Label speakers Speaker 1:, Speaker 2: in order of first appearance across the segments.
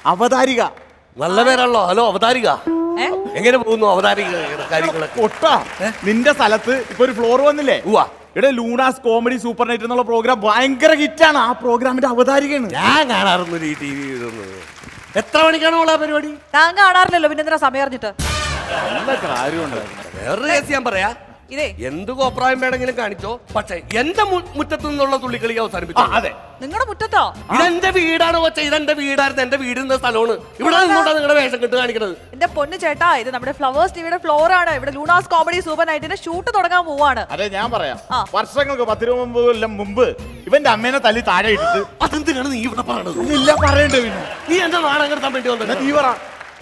Speaker 1: അവതാരിക.
Speaker 2: നല്ല പേരാണല്ലോ. ഹലോ അവതാരിക, എങ്ങനെ പോകുന്നു അവതാരിക കാര്യങ്ങളൊക്കെ?
Speaker 1: ഒട്ടാ നിന്റെ സ്ഥലത്ത് ഇപ്പൊ ഒരു ഫ്ലോർ വന്നില്ലേ?
Speaker 2: ഉവ്വ.
Speaker 1: ഇവിടെ ലൂണാസ് കോമഡി സൂപ്പർ നൈറ്റ് എന്നുള്ള പ്രോഗ്രാം ഭയങ്കര ഹിറ്റാണ്. ആ പ്രോഗ്രാമിന്റെ അവതാരികയാണ്
Speaker 2: ഞാൻ കാണാറൊന്നും ഈ ടി വി ഇതൊന്നും. എത്ര മണിക്കാണ് ഉള്ള പരിപാടി?
Speaker 3: താൻ കാണാറില്ലല്ലോ, പിന്നെ എന്തിനാ സമയം അറിഞ്ഞിട്ട്?
Speaker 1: നല്ല കാര്യമുണ്ട്.
Speaker 2: വേറൊരു കേസ് ഞാൻ പറയാ.
Speaker 3: ഇതേ
Speaker 2: എന്ത് കോപ്രായം വേണമെങ്കിലും കാണിച്ചോ, പക്ഷെ എന്റെ മുറ്റത്ത് നിന്നുള്ള തുള്ളിക്കളി അവസാനിപ്പിച്ചു.
Speaker 1: അതെ,
Speaker 3: നിങ്ങളുടെ മുറ്റത്തോ?
Speaker 2: ഇതെന്റെ വീടാണ് കൊച്ചെ, ഇതെന്റെ വീടായിരുന്നു, എന്റെ വീടിന്റെ സ്ഥലമാണ്. ഇവിടെ നിന്നോട്ടാ നിങ്ങളുടെ വേഷം കെട്ട് കാണിക്കുന്നത്.
Speaker 3: എന്റെ പൊന്ന് ചേട്ടാ, ഇത് നമ്മുടെ ഫ്ലവേഴ്സ് ടിവിയുടെ ഫ്ലോർ ആണ്. ഇവിടെ ലൂണാസ് കോമഡി സൂപ്പർ നൈറ്റിന്റെ ഷൂട്ട് തുടങ്ങാൻ പോവാണ്.
Speaker 1: അതെ ഞാൻ പറയാം. വർഷങ്ങൾക്ക് 19 കൊല്ലം മുമ്പ് ഇവന്റെ അമ്മേനെ തല്ലി താഴെ ഇട്ടിട്ട്
Speaker 2: അതെന്തിനാണ് നീ ഇവിടെ പറയണത്?
Speaker 1: ഇല്ല പറയണ്ടേ പിന്നെ?
Speaker 2: നീ എന്റെ നാടകം കിട്ടാൻ വേണ്ടി വന്നത്?
Speaker 1: നീ പറ.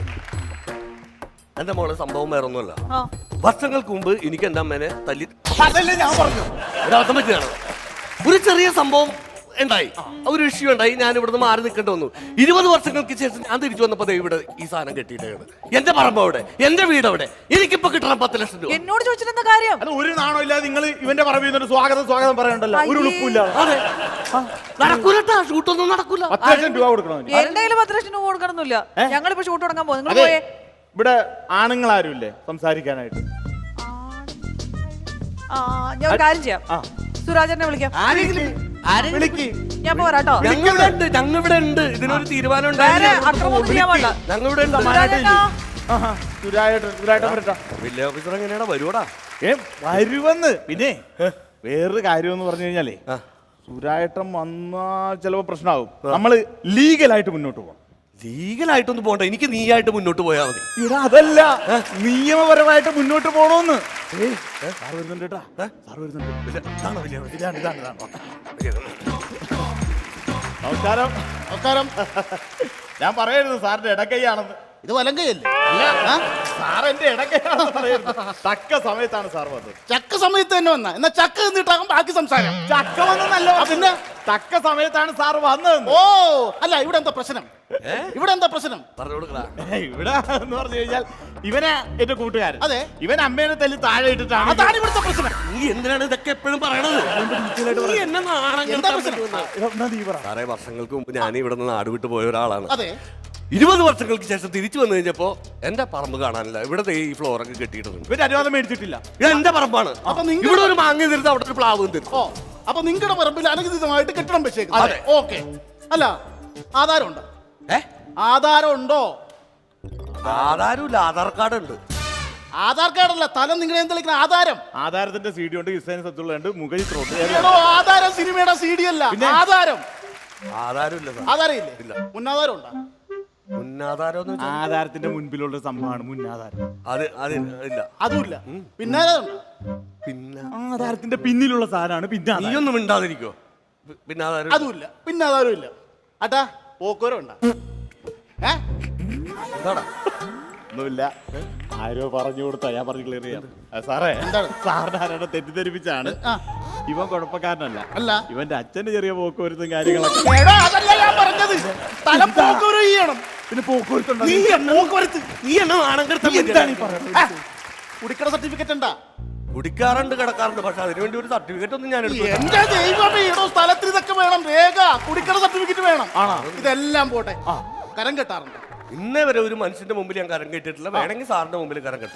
Speaker 2: എന്റെ മോളെ സംഭവം വേറെ ഒന്നുമല്ല.
Speaker 3: ആ.
Speaker 2: വർഷങ്ങൾക്ക് മുമ്പ് എനിക്ക് എന്റെ അമ്മേനെ തല്ലി
Speaker 1: അതല്ലേ ഞാൻ പറഞ്ഞു.
Speaker 2: ഒരർത്ഥം പറ്റിയാണ്. ഒരു ചെറിയ സംഭവം ഉണ്ടായി, ഒരു ഇഷ്യൂ ഉണ്ടായി. ഞാൻ ഇവിടുന്ന് മാറി നിൽക്കേണ്ടി വന്നു. 20 വർഷങ്ങൾക്ക് ശേഷം ഞാൻ തിരിച്ചു വന്നപ്പോ ഇവിടെ ഈ സാധനം കെട്ടിയിട്ടാണ്. എന്റെ പറമ്പ് അവിടെ, എന്റെ വീട് അവിടെ. എനിക്കിപ്പോ കിട്ടണം 10 ലക്ഷം രൂപ.
Speaker 3: എന്നോട് ചോദിച്ചിട്ടെന്താ കാര്യം?
Speaker 1: അത് ഒരു നാണോ ഇല്ലാതെ നിങ്ങൾ ഇവന്റെ പറമ്പിൽ നിന്നൊരു സ്വാഗതം പറയണ്ടല്ലോ. ഒരു ഉളുപ്പില്ല.
Speaker 2: അതെ, നടക്കൂലട്ടാ, ഷൂട്ടൊന്നും നടക്കൂല.
Speaker 1: 10 ലക്ഷം രൂപ കൊടുക്കണം.
Speaker 3: എന്റെ കയ്യിൽ 10 ലക്ഷം രൂപ കൊടുക്കണമെന്നില്ല. ഞങ്ങളിപ്പോ ഷൂട്ട് തുടങ്ങാൻ പോകും. നിങ്ങൾ
Speaker 1: അതെ,
Speaker 3: പോയേ.
Speaker 1: ഇവിടെ ആണുങ്ങൾ ആരും ഇല്ലേ സംസാരിക്കാനായിട്ട്?
Speaker 3: ഞാൻ ഒരു കാര്യം ചെയ്യാം, സുരാജനെ വിളിക്കാം.
Speaker 1: വിളിക്ക്.
Speaker 3: ഞാൻ പോരാട്ടോ.
Speaker 2: ഞങ്ങളിവിടെ ഉണ്ട്. ഇതിനൊരു തീരുമാനം
Speaker 3: വേറെ അക്രമമൊന്നും ചെയ്യാൻ വേണ്ട.
Speaker 2: ഞങ്ങളിവിടെ ഉണ്ട്.
Speaker 3: സുരാജേട്ടാ.
Speaker 1: സുരായിട്ട് വരട്ടാ.
Speaker 2: വില്ലേജ് ഓഫീസർ എങ്ങനെയാണ് വരുവാടാ?
Speaker 1: വരുവന്ന്. പിന്നെ വേറൊരു കാര്യം എന്ന് പറഞ്ഞു കഴിഞ്ഞാലേ, സുരായിട്ടം വന്നാൽ ചിലപ്പോ പ്രശ്നമാകും. നമ്മള് ലീഗലായിട്ട് മുന്നോട്ട് പോകണം.
Speaker 2: ലീഗലായിട്ടൊന്നും പോകണ്ട, എനിക്ക് നീയായിട്ട് മുന്നോട്ട് പോയാൽ മതി.
Speaker 1: ഇവിടെ അതല്ല, നിയമപരമായിട്ട് മുന്നോട്ട് പോണോന്ന്. സാർ വരുന്നുണ്ട് കേട്ടാ. സാർ വരുന്നുണ്ട്. നമസ്കാരം. നമസ്കാരം. ഞാൻ പറയായിരുന്നു സാറിന്റെ ഇടക്കൈയാണെന്ന്.
Speaker 4: ഇത് വലങ്കയല്ലേ?
Speaker 1: അല്ല, സാർ എന്റെ ഇടക്കൈയാണെന്ന് പറയായിരുന്നു. തക്ക സമയത്താണ് സാർ വന്നത്.
Speaker 4: ചക്ക സമയത്ത് തന്നെ വന്ന എന്നാ ചക്ക എന്നിട്ടാകും ബാക്കി സംസാരം.
Speaker 1: ചക്ക വന്നല്ല, പിന്നെ തക്ക സമയത്താണ് സാർ വന്നത്.
Speaker 4: ഓ അല്ല, ഇവിടെ എന്താ പ്രശ്നം? ഇവിടെ എന്താ പ്രശ്നം?
Speaker 2: പറഞ്ഞു കൊടുക്കടാ.
Speaker 1: ഇവിടെ എന്ന് പറഞ്ഞു കഴിഞ്ഞാൽ ഇവനെ എന്റെ കൂട്ടുകാരൻ.
Speaker 4: അതെ,
Speaker 1: ഇവൻ അമ്മേനെ തല്ലി താഴെ ഇട്ടിട്ടാണ്.
Speaker 4: അതാണ് ഇവിടുത്തെ പ്രശ്നം.
Speaker 2: നീ എന്തിനാണ് ഇതൊക്കെ എപ്പോഴും പറയണത്? നീ എന്നെ നാണം
Speaker 4: എന്താ
Speaker 2: കെടുത്താൻ
Speaker 4: പ്രശ്നം?
Speaker 2: പറ്റുമെന്ന്. സാറേ, വർഷങ്ങൾക്ക് മുമ്പ് ഞാൻ ഇവിടെ നിന്ന് നാട് വിട്ട് പോയ ഒരാളാണ്.
Speaker 4: അതെ,
Speaker 2: 20 വർഷങ്ങൾക്ക് ശേഷം തിരിച്ചു വന്നു കഴിഞ്ഞപ്പോ എന്റെ പറമ്പ് കാണാനില്ല. ഇവിടെ ഈ ഫ്ലോറൊക്കെ കെട്ടിയിട്ടുണ്ട്.
Speaker 1: ഇവന്റെ അനുവാദം മേടിച്ചിട്ടില്ല.
Speaker 2: ഇത് എന്റെ പറമ്പാണ്.
Speaker 4: അപ്പൊ നിങ്ങൾ
Speaker 2: ഇവിടെ ഒരു മാങ്ങ തരുന്നത്, അവിടെ ഒരു പ്ലാവ് തരും.
Speaker 4: ഓ അപ്പൊ നിങ്ങളുടെ പറമ്പിൽ അനധികൃതമായിട്ട് കെട്ടിടം വെച്ചേക്കും.
Speaker 2: അതെ.
Speaker 4: ഓക്കെ. അല്ല, ആധാരം ഉണ്ടോ?
Speaker 2: ഏ,
Speaker 4: ആധാരം ഉണ്ടോ?
Speaker 2: ആധാരമില്ല, ആധാർ കാർഡ് ഉണ്ട്.
Speaker 4: ആധാർ കാർഡല്ല, തലം നിങ്ങളെ എന്തെങ്കിലും ആധാരം.
Speaker 1: ആധാരത്തിന്റെ സി ഡി ഉണ്ട്, ഹിസൈൻ സത്തുള്ളുണ്ട്, മുഖലി ത്രോട്ട്.
Speaker 4: ഏടോ, ആധാരം സിനിമയുടെ CD അല്ല, ആധാരം.
Speaker 2: ആധാരമില്ല സാർ.
Speaker 4: ആധാരം
Speaker 2: ഇല്ല.
Speaker 4: ഇല്ലേ? മുന്നാധാരം ഉണ്ടോ?
Speaker 2: മുന്നാധാരം
Speaker 1: ആധാരത്തിന്റെ മുൻപിലുള്ള സംഭവമാണ് മുന്നാധാരം.
Speaker 2: അത് ഇല്ല.
Speaker 4: അതുമില്ല. പിന്നാധാരം ഉണ്ടോ?
Speaker 2: പിന്നെ
Speaker 1: ആധാരത്തിന്റെ പിന്നിലുള്ള സാധനമാണ് പിന്നെ.
Speaker 2: നീയൊന്നും മിണ്ടാതിരിക്കോ? പിന്നെ ആധാരം
Speaker 4: അതുമില്ല. പിന്നാധാരം ഇല്ല. അട്ടാ പോക്കോരം ഉണ്ടോ?
Speaker 2: എന്താടാ?
Speaker 1: ഒന്നുമില്ല, ആരോ പറഞ്ഞു കൊടുത്താ ഞാൻ പറഞ്ഞു ക്ലിയർ ചെയ്യാം. സാറേ,
Speaker 4: എന്താണ്?
Speaker 1: സാറിന് ആരാണ് തെറ്റിദ്ധരിപ്പിച്ചാണ്. ഇവൻ കുഴപ്പക്കാരനല്ല.
Speaker 4: അല്ല,
Speaker 1: ഇവന്റെ അച്ഛന്റെ ചെറിയ പോക്കുവരുത്തും കാര്യങ്ങളൊക്കെ.
Speaker 4: എടാ, അതല്ല ഞാൻ പറഞ്ഞത്. തലം പോക്കോരം ചെയ്യണം.
Speaker 1: പിന്നെ പോക്കുവരുത്തുണ്ട്.
Speaker 2: നീ എന്നെ നാണം കെടുത്താൻ
Speaker 4: കുടിക്കട സർട്ടിഫിക്കറ്റ് ഉണ്ടാ?
Speaker 2: കുടിക്കാറുണ്ട്, കിടക്കാറുണ്ട്. പക്ഷെ അതിനുവേണ്ടി ഒരു സർട്ടിഫിക്കറ്റ് ഒന്നും ഞാൻ എടുക്കില്ല.
Speaker 4: എന്റെ ദൈവമേ, ഏടോ സ്ഥലത്തിന് ഇതൊക്കെ വേണം. രേഖ, കുടിക്കട സർട്ടിഫിക്കറ്റ് വേണം. ഇതെല്ലാം പോട്ടെ. കരം കെട്ടാറുണ്ട്.
Speaker 2: ഇന്നേ വരെ ഒരു മനുഷ്യന്റെ മുമ്പിൽ ഞാൻ കരം കെട്ടിയിട്ടില്ല. വേണമെങ്കിൽ സാറിന്റെ മുമ്പിൽ കരം കെട്ടാം.